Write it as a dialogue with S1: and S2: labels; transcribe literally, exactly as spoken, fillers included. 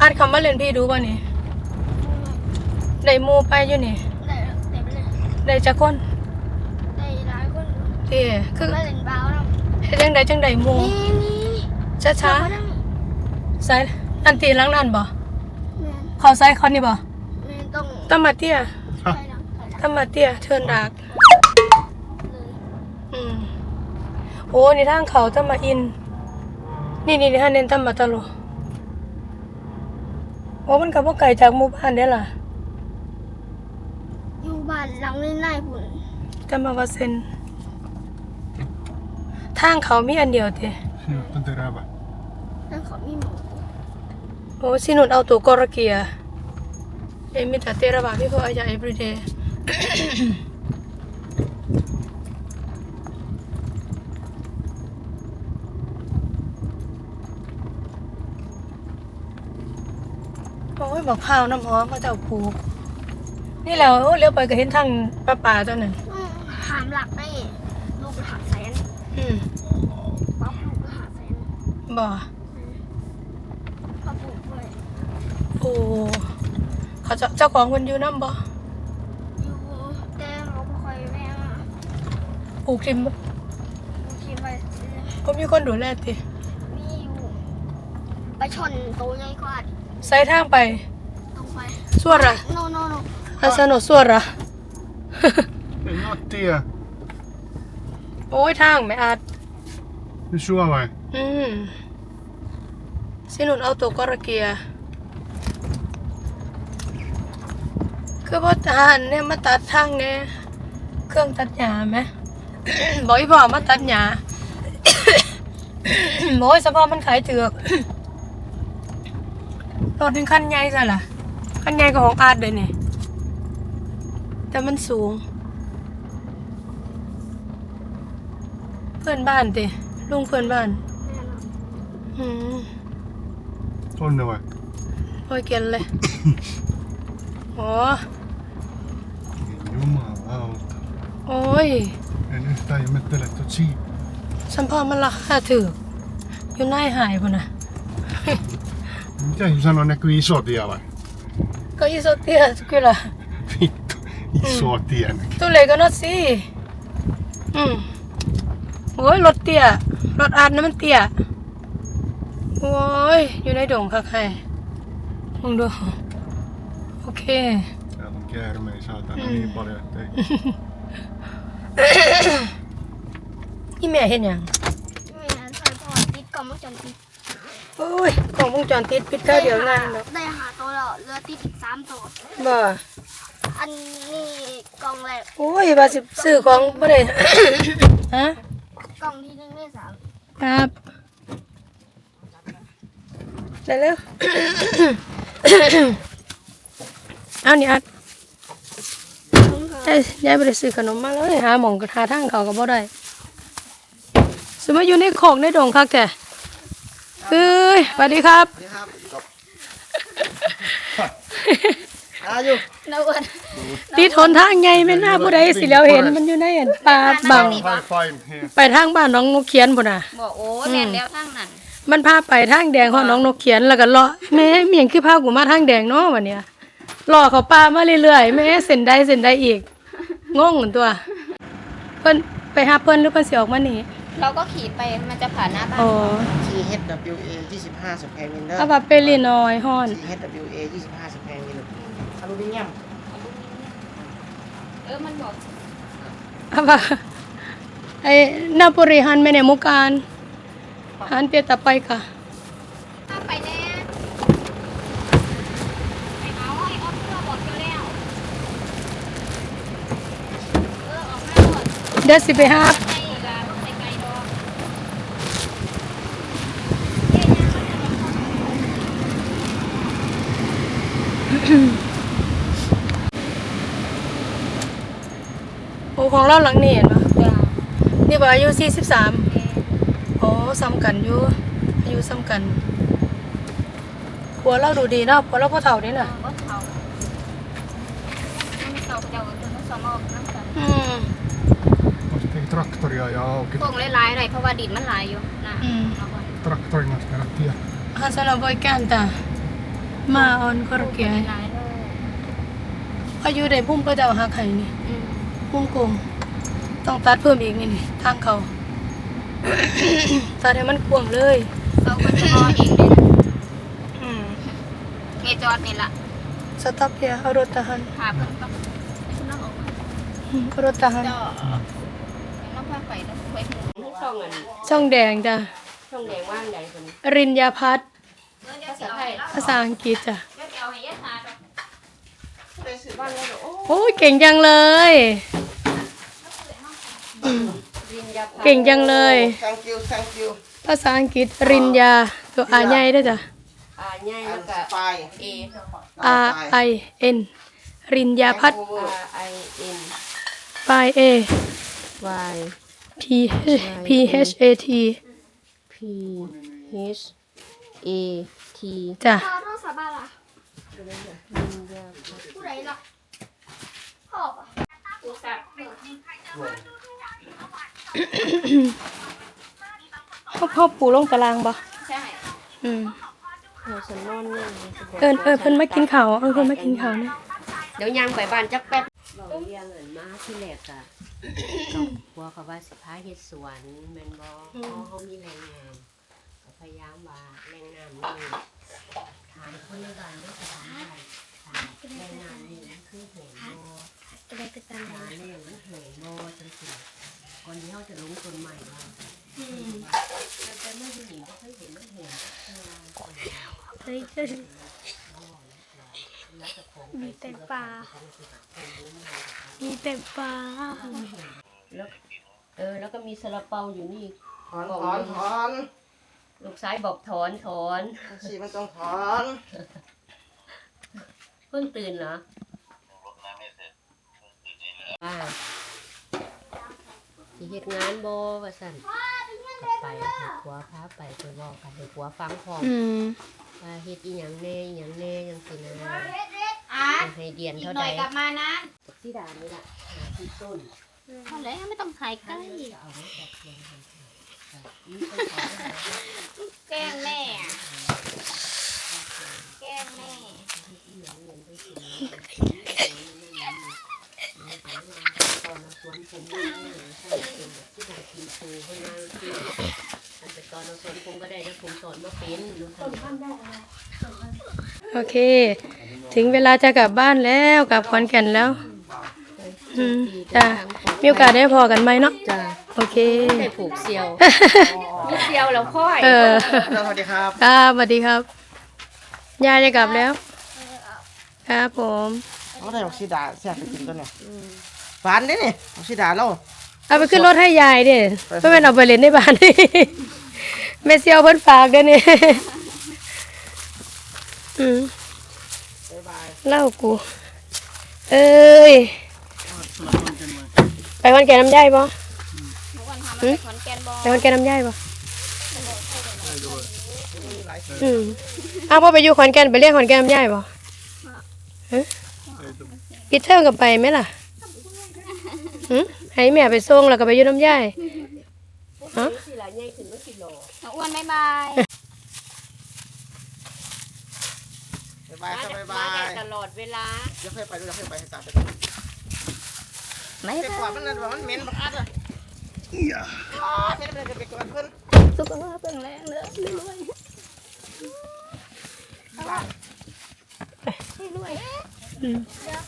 S1: อาร์ตคำว่าเล่นพี่ดูป่ะนี่ได้มูไปอยู่นี่
S2: ได้ได้ไปเลย
S1: ได้จักคน
S2: ได้หลายคน
S1: เด้คือ
S2: มาเล่นบ้าวแล้ว
S1: เฮ็ดจังไดจังไดมู
S2: นี่นี่
S1: ช้าๆใส่อันตีหลังนั่นบ่เขาใส่เขานี่บ่
S2: ต้อง
S1: ตำมาเตี้ยตำมาเตี้ยเทินดากอืมโอ้นี่ทางเขาตำมาอินนี่นี่ฮะเน้นตำมาตะโลโอ้มันก็บ่ไกลจากหมู่บ้านเด้ล่ะ
S2: อยู่บ้านหลังนี้นายพุ่น
S1: ตำมาว่าเซนทางเขามีอันเดียวติ
S2: ทางเขามีหมู
S1: โอ้สินุนเอาตัวกอรเกียเอมิตาเตระบาพี่พ่ออาญา everyday โอ้ยบอกข้าวน้ำหอมเขาเจ้าผูกนี่แล้วเลี้ยวไปก็เห็นทางป่าป่าเจ้าหนึ่ง
S2: หามหลักได้ลูกหาแสน
S1: อืม
S2: ป๊อปลูกหาแสน
S1: บ่
S2: ป๊อปลูกด้วย
S1: โอ้เขาเจ้าของคนอยู่น้ำบ่
S2: อยู่แต่เขาไม่ค่อยแม่
S1: ปลูกทิม
S2: ปลูกทิมไป
S1: ก็มีคนดูแลติ
S2: มีอยู่ไปชนโตใหญ่กว่า
S1: ใส่ทางไป
S2: ตรงไป
S1: ส่วนละ
S2: โนโนโน
S1: อาสนุส่วนละ
S3: เป็นนอตเตีย
S1: โอ้ยทางไม่อาจ
S3: ไม่ชัวร์ไว้
S1: อืมสินุนเอาตัวกระเกียคือพ่อทหารเนี่ยมาตัดทางเนี่ยเครื่องตัดหญ้าไหม บอกอีพ่อมาตัดหญ้า โอ้ยสภาพมันขายเถือก รถถึงขั้นใหญ่ซะล่ะขั้นใหญ่กว่าของอาร์ตเลยเนี่ยแต่มันสูงเพื่อนบ้านติลุงเพื่อนบ้านอืม
S3: ต้นเอาไว้
S1: โอ้ยเกินเลยโอ้
S3: ยูมาเอา
S1: โอ้ย
S3: เอ็นตายไม่เตะตัวชี
S1: สัมภาระมันราคาถืออยู่ในหายพุ่นน่ะ
S3: Mitä jos sanoo näkyy iso tie vai?
S1: Ko iso tie kyllä.
S3: Vittu, iso mm. tie näkyy.
S1: Tuleeko not si? Mm. โอ้ยรถเตี้ยรถอาดน้ำมันเตี้ยโอ้ยอยู่ในดงค่ะใครมึงดูโอเค
S3: Täällä on käärmeitä saatana niin paljon, ettei.
S1: นี่แม่เห็นยัง
S2: แม่ใส่พอติดกล่องวงจรปิด
S1: โอ้ยกล่องวงจรปิดปิดเท่าเดียวง่ายเนาะ
S2: ได้หาตัวแล้วเหลือติดอีกสามตัว
S1: บ่
S2: อันนี้กล่องแรก
S1: โอ้ยว่าสิซื้อของบ่ได้ ฮะ
S2: กล่องที่หนึ่งได้สาม
S1: ครับได้แล้ว เอานี่อัดยายไปซื้อขนมมาเลยหาหม่องกระทาทางเขาก็บ่ได้สมมติอยู่ในโคกในดงคักแกเอ้ยสวัสดีครับสวัสดีครับ
S2: อาอยู่นวล
S1: ตีทนทางไงไม่น่าผู้ใดสิแล้วเห็นมันอยู่ในป่าบังไปทางบ้านน้องนกเขียนพุ่นน่ะ
S2: บอกโอ้แม่นแล้วทางนั้น
S1: มันพาไปทางแดงของน้องนกเขียนแล้วก็เลาะแม่เมียงคือพากูมาทางแดงเนาะวันเนี้ยรอเขาป่ามาเรื่อยๆแม่เส้นใดเส้นใดอีกงงเหมือนตัวเพิ่นไปหาเพิ่นหรือเพิ่นสิออกมานี่
S2: เราก็ขี่ไปมันจะผ่านหน้าบ้าน
S4: ที เอช ดับเบิลยู เอ ยี่สิบห้าสแควร์มิลเตอร์
S1: เอาว่าเปรีน้อยฮ้อน
S4: ที เอช ดับเบิลยู เอ ยี่สิบห้าสแควร์มิลอลูมิเนียม
S2: เออมันบอก
S1: เอาว่าไอ้นาปุริหันไม่ได้มุกการหันเปียตะไปค่ะ
S2: ไปแน่ไปเอาไอ้ออฟเพื่อบอกเจ้าแล้วเออออกมาหมด
S1: เดี๋ยวสิไปหาโอ้ของเราหลังนี่เห็นปะนี่ว่าอายุสี่สิบสามโอ้ซ้ำกันอยู่อายุซ้ำกันผัวเราดูดีเนาะผัวเราพ่อเฒ่านี่น่ะ
S2: พ่อเฒ่าไม่เฒ่าเจ้าคือมันสมองนั่งกัน
S1: อืม
S3: traktoria ja auki
S2: พวกหลายๆหน่อยเพราะว่าดินมันหลายอยู่นะ
S3: traktorin kanssa tehdä tie
S1: Hansana voi kääntää มาออนก็ระเกีย
S2: หลายเลย
S1: อายุได้พุ่มก็จะเอาหักไห้นี่
S2: อืม
S1: พุ่มโกงต้องตัดเพิ่มอีกนี่นี่ทางเขา ตัดให้มันกว้างเลย
S2: เราก็จะรอเองเลยนะ
S1: อืม
S2: เมจอดนี่ล่ะ
S1: สต็อปเฮียเอารถทหาร
S2: หาเพิ่นก็คุณน้องออกมา
S1: อืมเอารถทหาร
S2: เจ้าน้องพาไปแล้วไปหมู่
S4: ช่องอัน
S1: ช่องแดงจ้ะ
S4: ช่องแดงว่างใดคนนี้
S1: รินยาพัฒน์
S2: ภาษาไทย
S1: ภาษาอังกฤษจ้ะ
S2: เดี๋ยวเอาให้ยะหาดอก
S4: ไปซื้อบ้านแล้วเดี๋ยวโอ้
S1: โอ้ยเก่งจังเลย
S4: รินยา
S1: เก่งจังเลย
S4: thank you thank you
S1: ภาษาอังกฤษรินยาตัวอาใหญ่ด้วยจ้ะ
S4: อ่าใหญ่แล้วก็
S3: ไป
S4: A
S1: R I N รินยาพัฒน์
S4: R I N
S1: by A
S4: Y
S1: P P H A T
S4: P H A T
S1: จ้ะ
S2: พ่อโทรศัพท์บ้านล่ะผู้ใดล่ะพ่อปะโทรศัพท์
S1: พ่อพ่อปูลงตารางบ่
S2: ใช่
S1: อืม
S4: เดี๋ยวฉันนอนเนี่ย
S1: เอิญเอิญเพิ่นมากินข้าวเอิญเพิ่นมากินข้าวเนี่ย
S4: เดี๋ยวยังไปบ้านจักแป๊บ
S5: เราเรียงเงินมาที่แรกอะกลัวเขาว่าสิพาเฮ็ดสวนแม่นบ่เพราะเขามีแรงงานก็พยายามว่าแรงงานนี่ถามคนในบ้านว่าจะทำอะไรถามแรงงานนี่มันคือเห็นบ่
S2: จะได้ไปตาม
S5: หาแรงมันเห็นบ่จังซี่ก่อนที่เขาจะลงต้นใหม่ว่าแต่เมื่อผู้หญิงก็เคยเห็นมันเห็น
S2: เฮ้ยมีแต่ปลามีแต่ปลา
S5: แล้วเออแล้วก็มีซาลาเปาอยู่นี่
S4: ถอนถอนถอน
S5: ลูกชายบอกถอนถอน
S4: สิมันต้องถอน
S5: เพิ่งตื่นเหรอว่าสิเฮ็ดงานบ่ว่าซั่นก็ไปให้ผัวพาไปไปเว้ากันให้ผัวฟังพร้อม
S1: อืม
S5: ว่าเฮ็ดอีหยังแน่อีหยังแน่จังซี่นะ
S2: อ่ะ
S5: ให้เดือน
S2: อีก
S5: เท่า
S2: หน่
S5: ใด
S2: อยกลับมานะ
S5: สิดานี่ล่ะหาที่ต้น
S2: พอแล้วไม่ต้องถ่ายใกล้
S5: จะเอามาจากเมืองไทยนี่ต้นขอได้
S2: แกล้งแม่อะแกล้งแม่
S5: ตอนสวนผมนี่ใช่เป็นแบบที่ได้กินปูเพิ่นมาคืออันแต่ตอนสวนผมก็ได้แล้วผมสอนมาเป็นลูกทำ
S1: โอเค ถึงเวลาจะกลับบ้านแล้วกลับขอนแก่นแล้ว อืมจ้ะมีโอกาสได้พอกันไหมเนาะ
S5: จ้า
S1: โอเค
S5: ได้ผูกเซียวมีเซียวแล้วค่อย
S1: เออ
S4: สวัสดีครับ
S1: ครับสวัสดีครับยายจะกลับแล้ว ครับผม
S4: เขาได้ออกซิดาแซ่บไปกินตัวเนี่ยหวานเด้นี่ออกซิดาเรา
S1: เอาไปขึ้นรถให้ยายดิเพื่อนเอาไปเล่นในบ้าน แม่เซียวเพิ่นฝากเด้อนี่ อืม
S4: บ๊ายบาย
S1: เล่ากู เอ้ย ไปวันแก่น้ำย่ายบ่
S2: ทุกวันทำมาเป็นขอนแก่นบอ
S1: ไปวันแก่น้ำย่ายบ่อืมอ้าวพอไปอยู่ขอนแก่นไปเรียกขอนแก่นน้ำย่ายบ่ฮะปิดเทอมกับไปไหมล่ะหืมให้แม่ไปส่งแล้วก็ไปอยู่น้ำย่ายฮะ
S5: สิละใหญ่ขึ้นบ่สิโล
S2: น้องอ้วนบ๊ายบาย
S4: บ๊ายบายครับบ๊ายบา
S5: มาได้
S4: ย
S5: ตลอดเวลา
S4: เดี๋ยวค่อยไปดูเดี๋ยวค่อยไปให้ตามไป
S2: ไม่
S4: ไปกวาดมันนั่นว่ามันเหม็นบักอัดอ่ะอ๋อเฮ็ดมันจะไปกวาดเพิ่น
S2: สุขภาพแข็งแรงเลยรวยรวยรวย